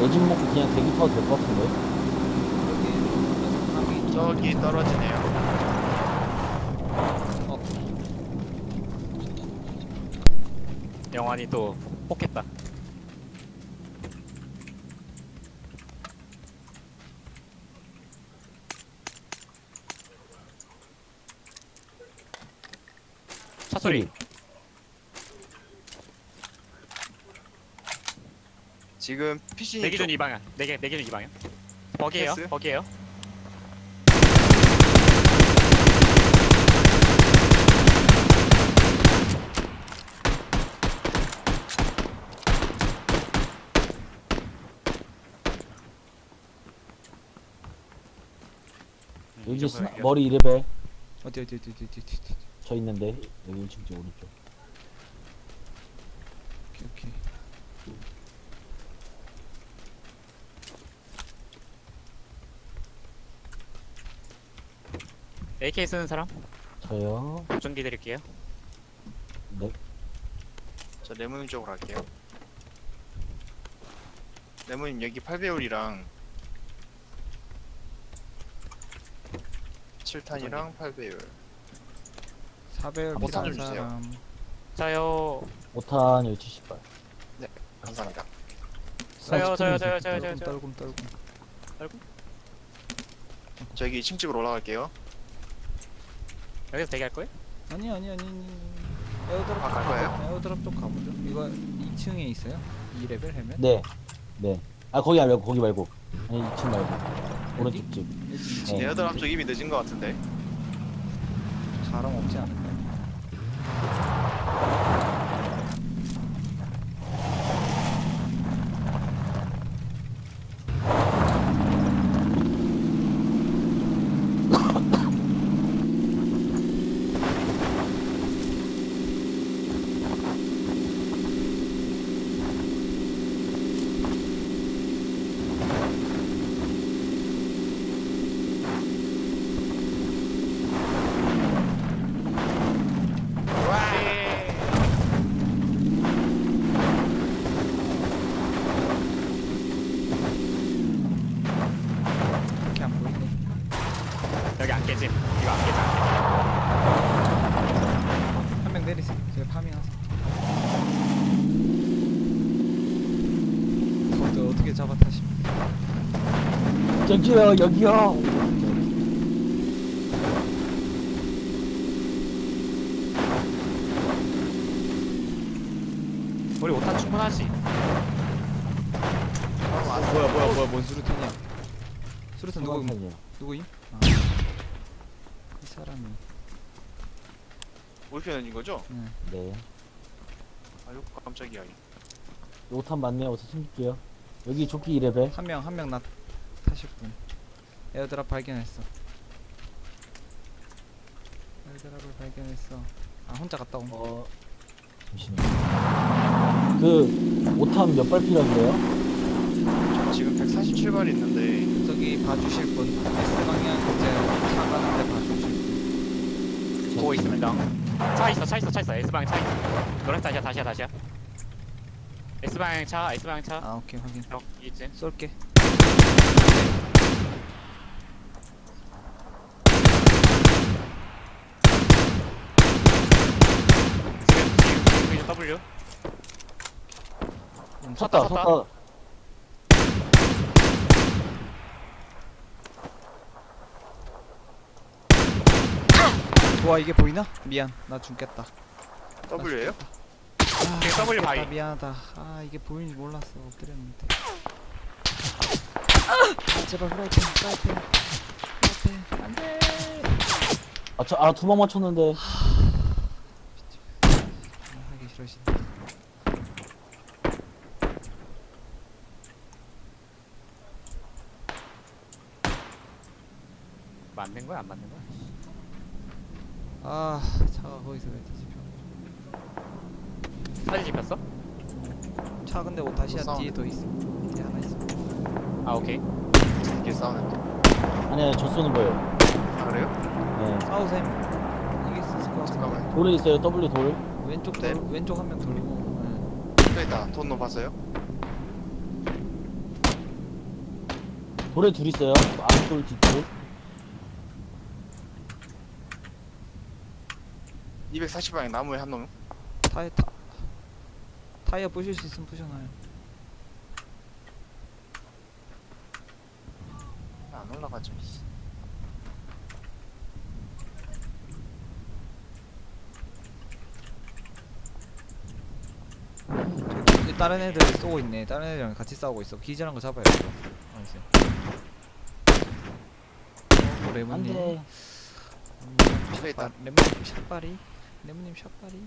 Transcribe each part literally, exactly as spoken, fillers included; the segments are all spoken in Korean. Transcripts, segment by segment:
집 먹고 그냥 대기 타도 될 것 같은데. 여기 저기 떨어지네요. 어 영환이 또 뽑겠다. 차 소리. 지금 피신이 내 기준 이 방향. 내게 내 기준 이 방향. 버기에요. 패스? 버기에요. 음, 이 여기 정도면 스나, 이겨. 머리 이 레벨. 어디 어디 어디 어디 어디 어디 저 있는데. 여기 일 층 쪽 오른쪽. 오케이 오케이 에이케이 쓰는 사람? 저요. 보정기 드릴게요. 네. 저 레몬님 쪽으로 갈게요. 레몬님 여기 팔 배율이랑 칠 탄이랑 팔 배율. 사 배율 아, 필요한 좀 주세요. 사람 자요. 오 탄 여기 칠십 발. 감사합니다. 저요 저요 저요 저요 저요 떨금 저요. 떨금 떨금 저 여기 이 층 집으로 올라갈게요. 여기서 대기할 거예요? 아니 아니 아니 아니 에어드랍 아, 갈 거예요? 에어드랍 쪽 가보죠. 이거 이 층에 있어요? 이 레벨 헬멧? 네. 네. 아 거기 말고 거기 말고. 아니 이 층 말고. 오른쪽 집. 이 네. 에어드랍 쪽 이미 늦은 것 같은데. 사람 없지 않을까요? 이렇게 안 보이네. 여기 안 깨짐. 이거 안 깨져. 한 명 내리세요. 제가 파밍하세요. 저도 어떻게 잡아 타십니까? 저기요 여기요. 우리 오 탄 충분하지. 뭐야 뭐야 뭐야 뭔 수류탄이야? 수류탄 누구 탄이요. 누구임? 아, 이 사람이. 올편인 거죠? 네. 네. 아유 깜짝이야. 오 탄 맞네요. 어서 챙길게요. 여기 조끼 이 레벨. 한 명 한 명 나 타실 분. 에어드랍 발견했어. 에어드랍을 발견했어. 아 혼자 갔다 온. 어 잠시만요. 그 오 탄 몇 발 필요한데요? 지금 백사십칠 발 있는데 저기 봐주실 분. S 방향 이제 차 가는데 봐주실 분. 보고 있습니다. 차 있어, 차 있어, 차 있어. S 방향 차 있어. 노란 다시야, 다시야, 다시야. S 방향 차, S 방향 차. 아 오케이 확인. 어, 이쯤. 쏠게. 지금 지금 지금 W. 음, 섰다 섰다. 섰다. 와 이게 보이나? 미안 나 죽겠다. W예요? 아, 지금 W 죽겠다, 바위. 미안하다. 아 이게 보이는지 몰랐어. 엎드렸는데. 아, 제발 프라이팬 프라이팬 프라이팬 안돼. 아저아두 방 맞췄는데. 아, 하기 싫으신데. 맞는 거야, 안 맞는 거야? 아 차가 거기서 왜 뒤집혀? 사진 찍혔어? 차 근데 오타시아 또 뒤에 더 있어. 뒤에 하나 있어. 아, 오케이. 이게 싸우는데. 아니 아니 저 쏘는 거예요. 아 그래요? 네. 싸우셈. 이길 수 있을 것 같아. 잠깐만. 돌에 있어요. W 돌. 왼쪽 네. 돌, 왼쪽 한 명 돌고. 또 있다. 돈 넣어봤어요? 돌에 둘 있어요. 앞돌 뒷돌. 이백사십 방향 나무에 한 놈. 타이어 타 타이어 부실 수 있으면 부셔놔요. 안 올라가죠. 씨. 저기 다른 애들 쏘고 있네. 다른 애들이랑 같이 싸우고 있어. 기절한 거 잡아야 돼. 알았어요. 어, 레몬님. 안돼. 음, 집에 있다. 샷발, 레몬님 샷발이. 레몬님 샷발이.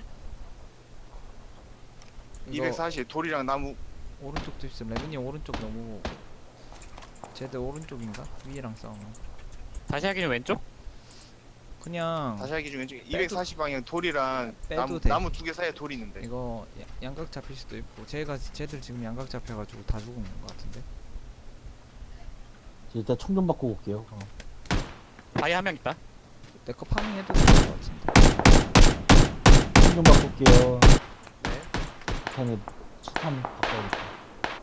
이거 이백사십 돌이랑 나무. 오른쪽도 있음. 레몬님 오른쪽 너무. 쟤들 오른쪽인가? 위에랑 싸우는. 다시 하기는 왼쪽? 그냥 다시 하기 중에 이백사십 방향 돌이랑 빼도 나무 돼. 나무 두 개 사이에 돌이 있는데. 이거 야- 양각 잡힐 수도 있고. 쟤가 쟤들 지금 양각 잡혀가지고 다 죽은 것 같은데. 저 일단 총 좀 바꾸고 올게요. 어. 다이 한 명 있다. 내 거 파밍해도 될 것 같은데. 총 좀 바꾸 올게요. 네. 탄에 수탄 바꿔야겠다.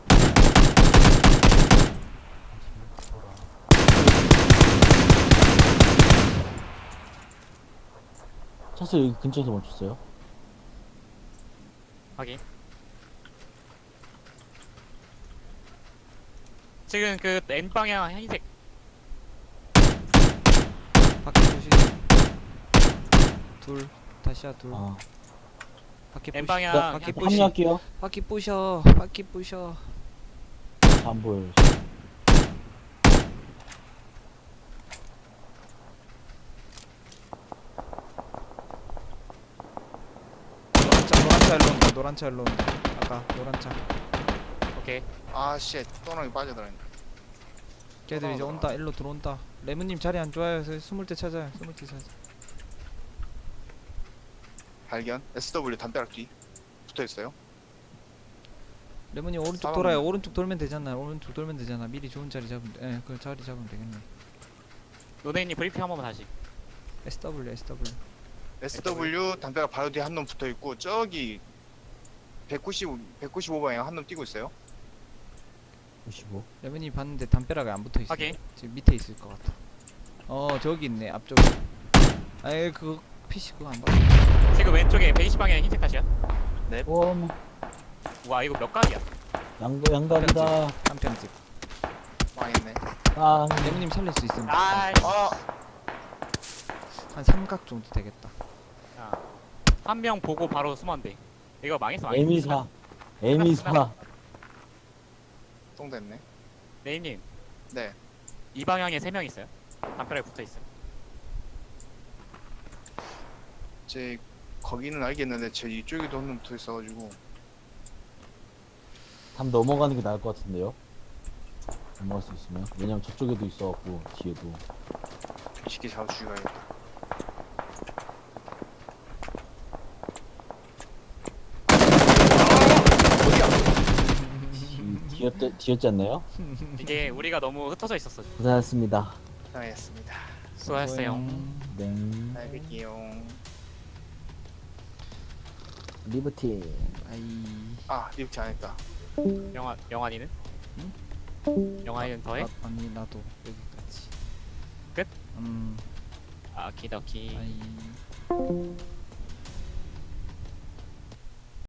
차스 여기 근처에서 멈췄어요. 확인. 지금 그 N 방향 흰색. 바퀴 부시. 둘. 다시야 둘. 아, 바퀴 N 부시. 방향 나 바퀴 한- 부시. 합류할게요. 바퀴 부셔. 바퀴 부셔. 안 보여요. 노란 차 노란 차 일로 온다. 노란 차 일로 온다. 아까 노란 차. 오케이. 아 씨. 또랑이 빠져들었네. 걔들 이제 온다. 일로 들어온다. 레몬님 자리 안 좋아요. 그래서 숨을 때 찾아요. 숨을 때 찾아. 발견. 에스더블유 담벼락 뒤 붙어 있어요. 레몬님 오른쪽 싸움. 돌아요. 오른쪽 돌면 되잖아. 오른쪽 돌면 되잖아. 미리 좋은 자리 잡으면 돼. 예, 그 자리 잡으면 되겠네. 노네님 브리핑 한 번만 다시. 에스더블유 에스더블유. 에스더블유 담벼락 바로 뒤에 한 놈 붙어 있고 저기 백구십 백구십오 방향 한 놈 뛰고 있어요. 오십오. 레몬님 봤는데 담벼락에 안 붙어 있어. 확인. 지금 밑에 있을 것 같아. 어 저기 있네 앞쪽에. 아예 그거 피씨 그거 안 봐. 지금 왼쪽에 베이시 방향 흰색 다시야. 오, 와 이거 몇 각이야? 양각 양각이다. 한편집. 망했네. 아, 레몬님 살릴 수 있으면 아, 아 한 삼각 정도 되겠다. 한 명 보고 바로 숨으면 돼. 이거 망했어. 망했어. 에미사. 에미사. 똥 됐네. 네임님 네. 이 방향에 세 명 있어요. 담벼락에 붙어 있어. 제 거기는 알겠는데 제 이쪽에도 한 놈 붙어 있어가지고 담 넘어가는 게 나을 것 같은데요. 넘어갈 수 있으면. 왜냐면 저쪽에도 있어갖고 뒤에도. 쉽게 잡아 죽여야겠다. 뒤- 뒤였지, 뒤였지 않나요? 이게 우리가 너무 흩어져 있었어. 고생하셨습니다. 당했습니다. 수고하셨어요. 네. 잘 뵐게요. 리버티. 아이 아 리프트 안 했다. 영화 영환이는? 영환이는 더해? 나, 아니 나도 여기까지. 끝? 음 아 기더키. 아이